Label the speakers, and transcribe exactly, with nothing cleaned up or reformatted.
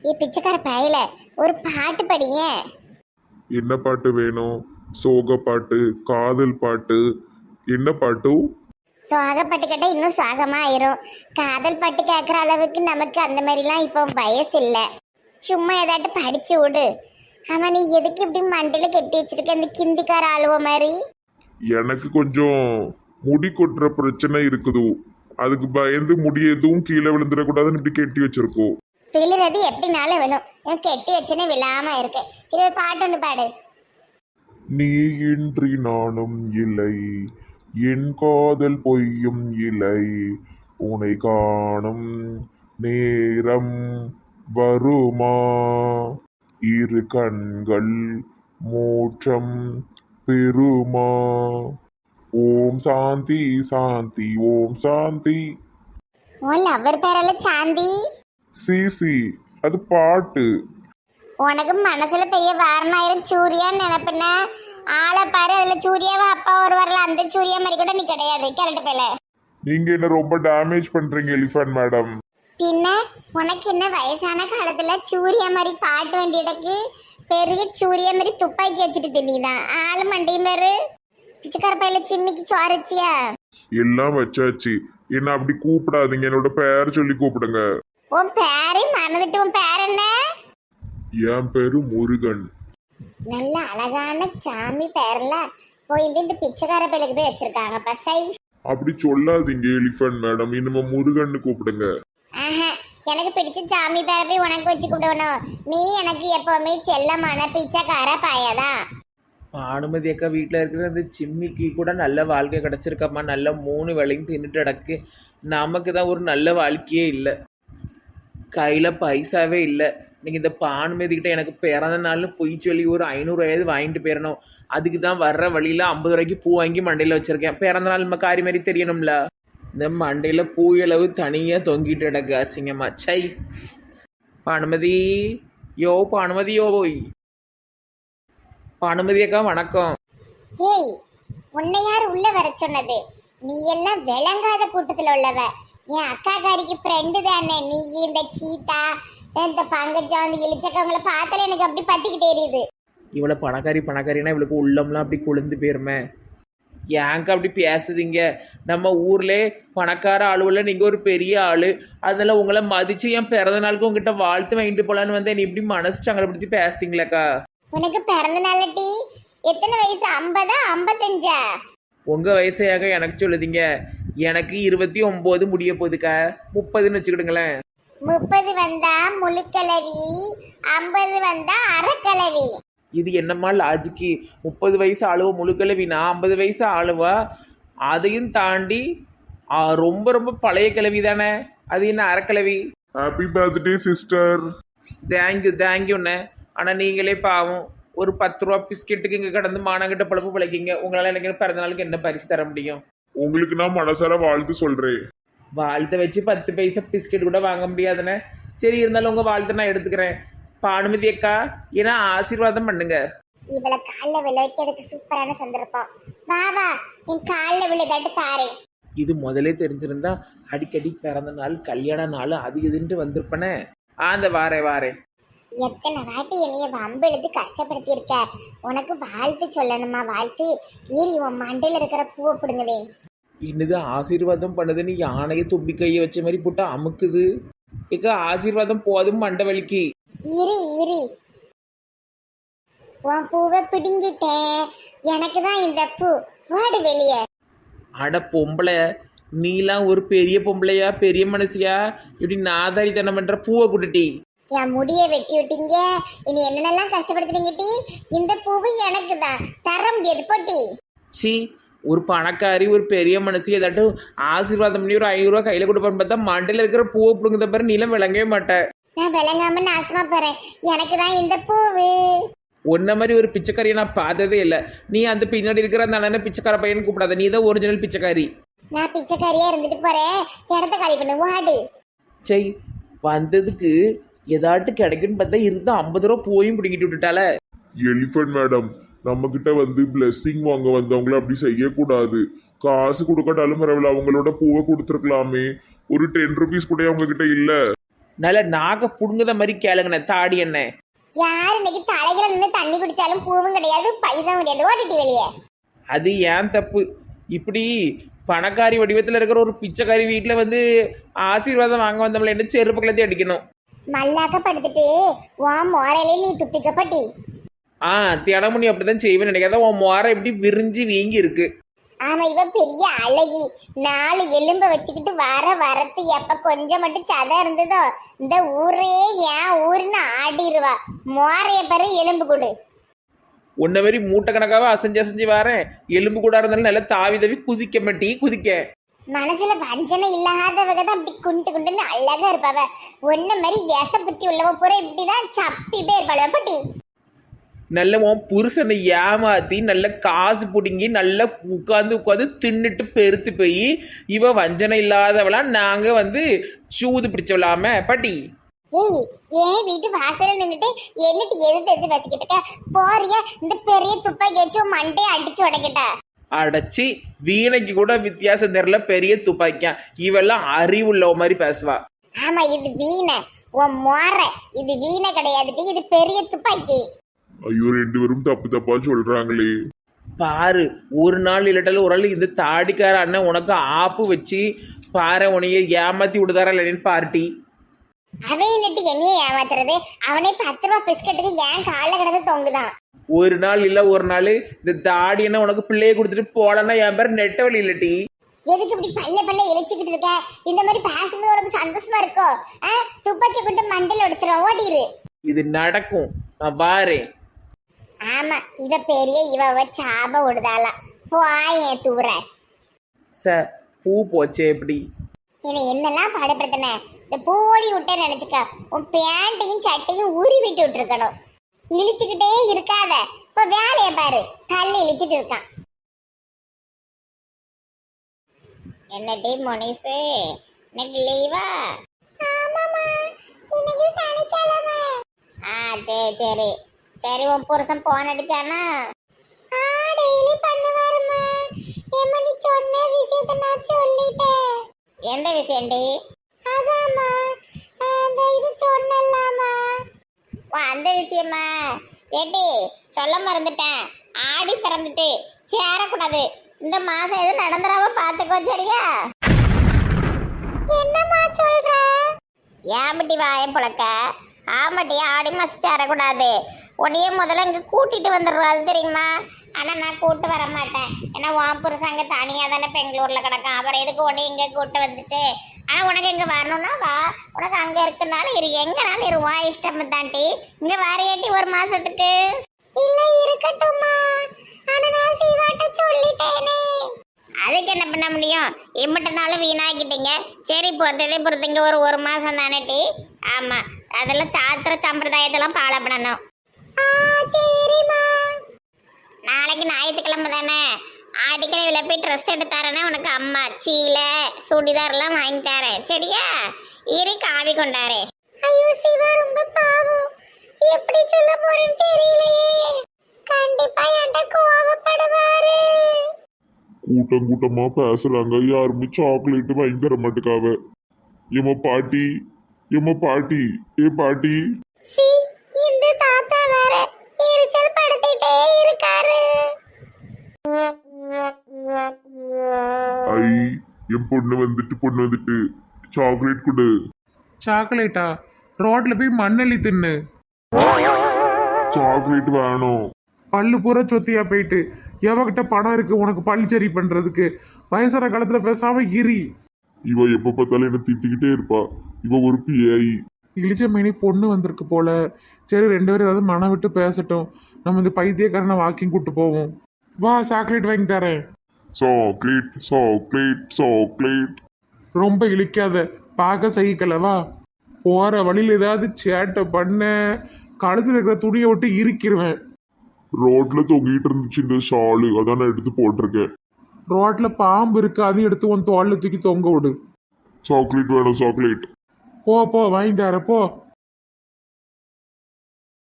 Speaker 1: ஏ பிச்சைக்கார பயல ஒரு பாட்டு படிங்க.
Speaker 2: என்ன பாட்டு வேணும்? சோக பாட்டு, காதல் பாட்டு, என்ன பாட்டு?
Speaker 1: சோக பாட்டு கேட்டால் இன்னும் சோகமா ஆயிரும். காதல் பாட்டு கேட்குற அளவுக்கு நமக்கு அந்த மாதிரிலாம் இப்போ வயசு இல்லை. சும்மா ஏதாட்டு படிச்சு விடு. ஆமா, நீ எதுக்கு இப்படி மண்டையில கெட்டி வச்சிருக்க இந்த கிந்திக்கார ஆளுவ மாதிரி?
Speaker 2: எனக்கு கொஞ்சம் முடி கொட்டுற பிரச்சனை இருக்குது. அதுக்கு பயந்து முடி எதுவும் கீழே விழுந்துடக்கூடாதுன்னு இப்படி கெட்டி வச்சிருக்கோம்.
Speaker 1: விழுறது எப்படினாலும் விழும். எனக்கு கெட்டி வச்சுன்னு விழாம இருக்கு. சரி, ஒரு பாட்டு ஒன்று பாடு.
Speaker 2: நீ இன்றி நானும் இல்லை, என் காதல் பொய்யும் இல்லை, உனை காணும் நேரம் வருமா, இரு கண்கள் மோட்சம் பெருமா, ஓம் சாந்தி சாந்தி ஓம் சாந்தி.
Speaker 1: உன் லவ்வர் பேரால சாந்தி.
Speaker 2: சிசி அது பாட்டு.
Speaker 1: உனக்கு மனசுல பெரிய வாரணாயிரம் சூர்யான்னு நினைப்பின. ஆளை பாரு, அதுல சூர்யாவா அப்பா ஒரு வரல, அந்த சூர்யா மாதிரி கூட நீ கிடையாது. கிளட்டு பேல
Speaker 2: நீங்க என்ன ரொம்ப டேமேஜ் பண்றீங்க எலிஃபண்ட் மேடம்.
Speaker 1: பின்ன உனக்கு என்ன வயசான காலத்துல சூர்யா மாதிரி பாட்டு வேண்டியதுக்கு பெரிய சூர்யா மாதிரி துப்பாக்கி வச்சுட்டு தின்னிதான் ஆளு மண்டையும் பேரு. பிச்சைக்கார பையில சிம்மிக்கு சோரச்சியா?
Speaker 2: எல்லாம் வச்சாச்சு. என்ன அப்படி கூப்பிடாதீங்க, என்னோட பேர் சொல்லி கூப்பிடுங்க.
Speaker 1: உன் பேரே மறந்துட்டு. உன் பேர் என்ன?
Speaker 2: என் பேரு முருகன்.
Speaker 1: நல்ல அழகான சாமி பேர்ல போய் இந்த பிச்சைக்கார பையிலுக்கு போய் வச்சிருக்காங்க பசை.
Speaker 2: அப்படி சொல்லாதீங்க எலிஃபண்ட் மேடம், இனிமே முருகன்னு கூப்பிடுங்க.
Speaker 1: ஆஹா, எனக்கு பிடிச்ச சாமி பேரை போய் உனக்கு வச்சு கூப்பிடணும். நீ எனக்கு எப்பவுமே செல்லமான பிச்சைக்கார பாயாதான்.
Speaker 3: அனுமதி அக்கா வீட்டில் இருக்கிற அந்த சிம்மிக்கு கூட நல்ல வாழ்க்கை கிடச்சிருக்கம்மா. நல்ல மூணு வேலையும் தின்னுட்டு கிடக்கு. நமக்கு தான் ஒரு நல்ல வாழ்க்கையே இல்லை, கையில் பைசாவே இல்லை. நீங்கள் இந்த பானுமதிக்கிட்ட எனக்கு பிறந்த நாள்னு பொய் சொல்லி ஒரு ஐநூறுவாயாவது வாங்கிட்டு போயிடணும். அதுக்கு தான் வர்ற வழியில் ஐம்பது ரூபாய்க்கு பூ வாங்கி மண்டையில் வச்சுருக்கேன். பிறந்த நாள் நம்ம காரி மாதிரி தெரியணும்ல. இந்த மண்டையில் பூயளவு தனியாக தொங்கிட்டு கிடக்கு அசிங்கம்மா. சை பானுமதி, யோ பானுமதி, யோ போய் பானுமதி அக்கா வணக்கம்.
Speaker 1: ஏய், உன்னை யார் உள்ள வர சொன்னது? நீ எல்லாம் விளங்காத கூட்டத்துல உள்ளவ. என் அக்கா காரிக்கு ஃப்ரெண்டு தானே நீ. இந்த கீதா, இந்த பங்கஜா, வந்து இழிச்சக்கவங்களை பார்த்தாலே எனக்கு அப்படி பத்திக்கிட்டே எரியுது.
Speaker 3: இவ்வளோ பணக்காரி பணக்காரினா இவளுக்கு உள்ளம்லாம் அப்படி கொழுந்து போயிருமே. ஏங்க அப்படி பேசுதீங்க? நம்ம ஊர்லே பணக்கார ஆளுவில் நீங்கள் ஒரு பெரிய ஆள். அதனால் உங்களை மதித்து என் பிறந்த நாளுக்கு உங்ககிட்ட வாழ்த்து வாங்கிட்டு போகலான்னு வந்து நீ இப்படி மனசு சங்கடப்படுத்தி பேசுறீங்களாக்கா?
Speaker 1: உனக்கு பிறந்த நாளட்டி எத்தனை வயசு? ஐம்பதா ஐம்பத்தஞ்சா?
Speaker 3: உங்கள் வயசையாக எனக்கு சொல்லுதீங்க. எனக்கு இருபத்தி ஒம்பது முடிய போகுதுக்கா. முப்பதுன்னு வச்சுக்கிடுங்களேன்.
Speaker 1: முப்பது வந்தா முழுக்கிழவி, ஐம்பது வந்தா அரைக்கிழவி.
Speaker 3: இது என்னம்மா லாஜிக்கு? முப்பது வயசு ஆளுவா முழுக்கிழவினா ஐம்பது வயசு ஆளுவா? அதையும் தாண்டி ஆ, ரொம்ப ரொம்ப பழைய கிழவி தானே. அது என்ன அரைக்கிழவி?
Speaker 2: Happy birthday sister.
Speaker 3: தேங்க்யூ தேங்க்யூண்ணே. ஆனால் நீங்களே பாவம் ஒரு பத்து ரூபா பிஸ்கெட்டுக்கு இங்கே கடந்து மானங்கிட்ட பழப்பு பிழைக்கிங்க. உங்களால் எனக்கு பிறந்த நாளுக்கு என்ன பரிசு தர முடியும்?
Speaker 2: உங்களுக்கு நான் மனசார வாழ்த்து சொல்றேன்.
Speaker 3: வாழ்த்தை வச்சு பத்து பைசா பிஸ்கெட் கூட வாங்க முடியாதுண்ணே. சரி, இருந்தாலும் உங்கள் வாழ்த்தை நான் எடுத்துக்கிறேன். பானுமதி அக்கா, ஏன்னா ஆசீர்வாதம் பண்ணுங்க.
Speaker 1: இவளை காலில் விழ வைக்கிறதுக்கு சூப்பரான சந்தர்ப்பம். வா வா, என் காலில் விழுதாட்டு தாரேன்.
Speaker 3: இது முதலே தெரிஞ்சிருந்தா அடிக்கடி பிறந்த நாள் கல்யாண நாள் அது இதுன்ட்டு வந்திருப்பனே. ஆ, அந்த வாரே வாரே.
Speaker 1: எத்தனை வாட்டி என்னைய வம்பு எழுதி கஷ்டப்படுத்தி இருக்க. உனக்கு வாழ்த்து சொல்லணுமா? வாழ்த்து ஏறி உன் மண்டையில் இருக்கிற பூவை பிடுங்குதே.
Speaker 3: என்னது ஆசீர்வாதம் பண்ணுதுன்னு யானையை தும்பி கையை வச்ச மாதிரி போட்டு அமுக்குது. ஏக்கா ஆசீர்வாதம் போதும் மண்டை வலிக்கு.
Speaker 1: இரு இரு, உன் பூவை பிடுங்கிட்டேன். எனக்கு தான் இந்த பூ. வாடு வெளியே.
Speaker 3: அட பொம்பளை, நீலாம் ஒரு பெரிய பொம்பளையா பெரிய மனசியா இப்படி நாதாரித்தனம் பண்ற பூவை குட்டுட்டி.
Speaker 1: என் முடிய வெட்டி விட்டீங்க. இனி என்னென்னலாம் கஷ்டப்படுத்துறீங்கட்டி. இந்த பூவு எனக்கு தான், தர முடியாது போட்டி.
Speaker 3: சி, ஒரு பணக்காரி ஒரு பெரிய மனசு ஏதாட்டும் ஆசீர்வாதம் பண்ணி ஒரு ஐநூறுரூவா கையில் கொடுப்பான்னு பார்த்தா மண்டையில் இருக்கிற பூவை பிடுங்குத பாரு. நீலாம் விளங்கவே மாட்டேன்.
Speaker 1: நான் விளங்காம நாசமா போறேன். எனக்கு தான் இந்த பூவு.
Speaker 3: ஒன்ன மாதிரி ஒரு பிச்சைக்காரியை நான் பார்த்ததே இல்லை. நீ அந்த பின்னாடி இருக்கிற அந்த அண்ணனை பிச்சைக்கார பையன் கூப்பிடாத. நீ தான் ஒரிஜினல் பிச்சைக்காரி.
Speaker 1: நான் பிச்சைக்காரியா இருந்துட்டு போறேன். இடத்த காலி பண்ணு, வாடு.
Speaker 3: சரி, வந்ததுக்கு ஏதாட்டு கிடைக்குன்னு பார்த்தா இருந்தா ஐம்பது ரூபா பூவையும் பிடிங்கிட்டு விட்டுட்டால.
Speaker 2: எலிஃபண்ட் மேடம், நம்ம கிட்ட வந்து பிளெஸ்ஸிங் வாங்க வந்தவங்கள அப்படி செய்யக்கூடாது. காசு கொடுக்கட்டாலும் பரவாயில்ல, அவங்களோட பூவை கொடுத்துருக்கலாமே. ஒரு டென் ருபீஸ் கூட அவங்க கிட்ட இல்ல.
Speaker 3: நல்ல நாக புடுங்குத மாதிரி கேளுங்கண்ணே தாடி என்ன.
Speaker 1: யார் இன்னைக்கு தலைகளை நின்று தண்ணி குடிச்சாலும் பூவும் கிடையாது பைசாவும் கிடையாது, ஓடிட்டு வெளியே.
Speaker 3: அது ஏன் தப்பு. இப்படி பணக்காரி வடிவத்தில் இருக்கிற ஒரு பிச்சைக்காரி வீட்டில் வந்து ஆசீர்வாதம் வாங்க வந்தவங்களை என்ன செருப்பு கலத்தி அடிக்கணும்.
Speaker 1: மல்லாக்க படுத்துட்டு உன் மோரையிலே நீ துப்பிக்கப்பட்டி.
Speaker 3: ஆ தினமும் நீ அப்படிதான் செய்வேன்னு நினைக்காத. உன் மோரை எப்படி விரிஞ்சு வீங்கி இருக்கு.
Speaker 1: ஆமா, இவ பெரிய அழகி, நாலு எலும்ப வச்சுக்கிட்டு வர வரத்து எப்ப கொஞ்சம் மட்டும் சதை இருந்ததோ இந்த ஊரே ஏன் ஊருன்னு ஆடிடுவா. மோரைய பாரு, எலும்பு கொடு.
Speaker 3: உன்ன மாதிரி மூட்டை கணக்காக அசைஞ்சு அசைஞ்சு வரேன். எலும்பு கூட இருந்தாலும் நல்லா தாவி தாவி குதிக்க மாட்டி குதிக்க.
Speaker 1: மனசுல வஞ்சனை இல்லாதவங்க தான் அப்படி குண்டு குண்டுன்னு அழகா இருப்பாவ. ஒன்ன மாதிரி விச புத்தி உள்ளவ பூரா இப்படிதான் சப்பி பேர் பழவ பட்டி.
Speaker 3: நல்ல உன் புருஷனை ஏமாத்தி நல்ல காசு பிடுங்கி நல்லா உட்காந்து உட்காந்து தின்னுட்டு பெருத்து போய் இவ வஞ்சனை இல்லாதவளா நாங்க வந்து சூது பிடிச்சவளாம பாட்டி.
Speaker 1: ஏய், ஏன் வீட்டு வாசல்ல நின்னுட்டு என்னட்டு எதிர்த்து எதிர்த்து வசிக்கிட்டு இருக்க? போறியா இந்த பெரிய துப்பாக்கி வச்சு உன் மண்டையை அடிச்சு உடைக்கிட்ட.
Speaker 3: அடைச்சி வீணைக்கு கூட வித்தியாசம் தெரியல, பெரிய துப்பாக்கியா. இவெல்லாம் அறிவுள்ள மாதிரி பேசுவா.
Speaker 1: ஆமா, இது வீணை, உன் மோரை. இது வீணை கிடையாதுட்டு, இது பெரிய துப்பாக்கி.
Speaker 2: ஐயோ ரெண்டு பேரும் தப்பு தப்பா சொல்றாங்களே.
Speaker 3: பாரு, ஒரு நாள் இல்லாட்டாலும் ஒரு நாள் இந்த தாடிக்கார அண்ணன் உனக்கு ஆப்பு வச்சு பாரு உனைய ஏமாத்தி விடுதாரா இல்லைன்னு பார்ட்டி.
Speaker 1: அவன் என்னட்டு என்னைய ஏமாத்துறது? அவனே பத்து ரூபா பிஸ்கட்டுக்கு ஏன் கால கிடந்து தொங்குதான்.
Speaker 3: ஒரு நாள் இல்ல ஒரு நாள் இந்த தாடி என்ன உனக்கு பிள்ளைய கொடுத்துட்டு போலன்னா என் பேர் நெட்ட வழி இல்லட்டி.
Speaker 1: எதுக்கு இப்படி பல்ல பல்ல இழிச்சுக்கிட்டு இருக்க? இந்த மாதிரி பேசும்போது உனக்கு சந்தோஷமா இருக்கோ? துப்பாக்கி கொண்டு மண்டல உடைச்சிடும், ஓடிரு.
Speaker 3: இது நடக்கும், நான் பாரேன்.
Speaker 1: ஆமா, இவ பெரிய இவ சாப விடுதாளா. போய தூர
Speaker 3: சார் பூ போச்சே எப்படி?
Speaker 1: இவன் என்னெல்லாம் பாடுபடுத்தின? இந்த பூவோடி விட்ட நினைச்சுக்க, உன் பேண்ட்டையும் சட்டையும் உரி விட்டு விட்டுருக்கணும். இழிச்சுக்கிட்டே இருக்காத, இப்ப வேலைய பாரு. கல் இழிச்சிட்டு இருக்கான். என்னடி மொனிசு, இன்னைக்கு லீவா? ஆமாமா, இன்னைக்கு சனிக்கிழமை. ஆ சரி சரி சரி. உன் புருஷன் போன் அடிச்சானா? ஆ டெய்லி பண்ணுவாருமா. ஏமா நீ சொன்ன விஷயத்தை நான் சொல்லிட்டேன். எந்த விஷயம்டி? அதாம்மா, அந்த இது சொன்னலாமா. ஓ அந்த விஷயமா? ஏடி சொல்ல மறந்துட்டேன். ஆடி பிறந்துட்டு சேரக்கூடாது. இந்த மாசம் எதுவும் நடந்துடாம பாத்துக்கோ, சரியா? என்னம்மா சொல்ற? ஏம்பட்டி வாய புழக்க. ஆமாட்டி, ஆடி மாசம் சேரக்கூடாது. உன்னையே முதல்ல இங்கே கூட்டிட்டு வந்துடுவோம், அது தெரியுமா? ஆனால் நான் கூட்டு வர மாட்டேன். ஏன்னா உன் புருஷன் அங்கே தனியாக தானே பெங்களூரில் கிடக்கான். அப்புறம் எதுக்கு உடனே இங்கே கூட்டு வந்துட்டு? ஆனால் உனக்கு இங்கே வரணும்னா வா, உனக்கு அங்கே இருக்குனால இரு, எங்கனாலும் இரு, வா இஷ்டம் தாண்டி. இங்கே வரையாட்டி ஒரு மாசத்துக்கு இல்லை இருக்கட்டும்மா. ஆனால் நான் சீவாட்ட சொல்லிட்டேனே. அதுக்கு என்ன பண்ண முடியும்? எம்பிட்டனாலும் வீணாக்கிட்டீங்க. சரி பொறுத்ததே பொறுத்தீங்க, ஒரு ஒரு மாசம் தானே டி. ஆமா, அதெல்லாம் சாத்திர சம்பிரதாயத்தெல்லாம் ஃபாலோ பண்ணணும். சரிம்மா. நாளைக்கு ஞாயிற்றுக்கிழமை தானே, ஆடிக்கடையில் போய் ட்ரெஸ் எடுத்தாரேன்னா உனக்கு அம்மா சீலை சுடிதார்லாம் வாங்கி தரேன், சரியா? இரு காவி கொண்டாரே. ஐயோ சிவா, ரொம்ப பாவம். எப்படி சொல்ல போறேன்னு தெரியலையே. கண்டிப்பா என்கிட்ட கோவப்படுவாரு.
Speaker 2: கூட்டம் கூட்டமா பேசுறாங்க, யாருமே சாக்லேட் வாங்கி தர மாட்டேக்காவ. ஏமா பாட்டி, ஏமா பாட்டி, ஏ பாட்டி.
Speaker 1: சி, இந்த தாத்தா வேற எரிச்சல் படுத்திட்டே இருக்காரு.
Speaker 2: ஐ, என் பொண்ணு வந்துட்டு பொண்ணு வந்துட்டு சாக்லேட் கொடு.
Speaker 3: சாக்லேட்டா? ரோட்ல போய் மண்ணெல்லி தின்னு.
Speaker 2: சாக்லேட் வேணும்.
Speaker 3: பல்லு பூரா சொத்தியா போயிட்டு எவகிட்ட பணம் இருக்கு உனக்கு பல் சரி பண்றதுக்கு? வயசான காலத்துல பேசாம இரி.
Speaker 2: இவ எப்ப பார்த்தாலும் என்ன திட்டிக்கிட்டே இருப்பா. இவ ஒரு பிஐ.
Speaker 3: இளிச்ச மேனி பொண்ணு வந்திருக்கு போல. சரி, ரெண்டு பேரும் ஏதாவது மனம் விட்டு பேசட்டும். நம்ம இந்த பைத்தியக்காரனை வாக்கிங் கூட்டு போவோம். வா, சாக்லேட் வாங்கி தரேன்.
Speaker 2: Chocolate chocolate chocolate.
Speaker 3: ரொம்ப இழிக்காத, பார்க்க சகிக்கல. வா, போற வழியில் ஏதாவது சேட்டை பண்ண கழுத்துல இருக்கிற துணியை விட்டு இறுக்கிடுவேன்.
Speaker 2: ரோட்ல தொங்கிட்டு இருந்துச்சு இந்த ஷாலு, அதான் நான் எடுத்து போட்டிருக்கேன்.
Speaker 3: ரோட்ல பாம்பு இருக்கு, அதையும் எடுத்து உன் தோல்ல தூக்கி தொங்க விடு.
Speaker 2: சாக்லேட் வேணும், சாக்லேட்.
Speaker 3: போ போ, வாங்கி தர போ.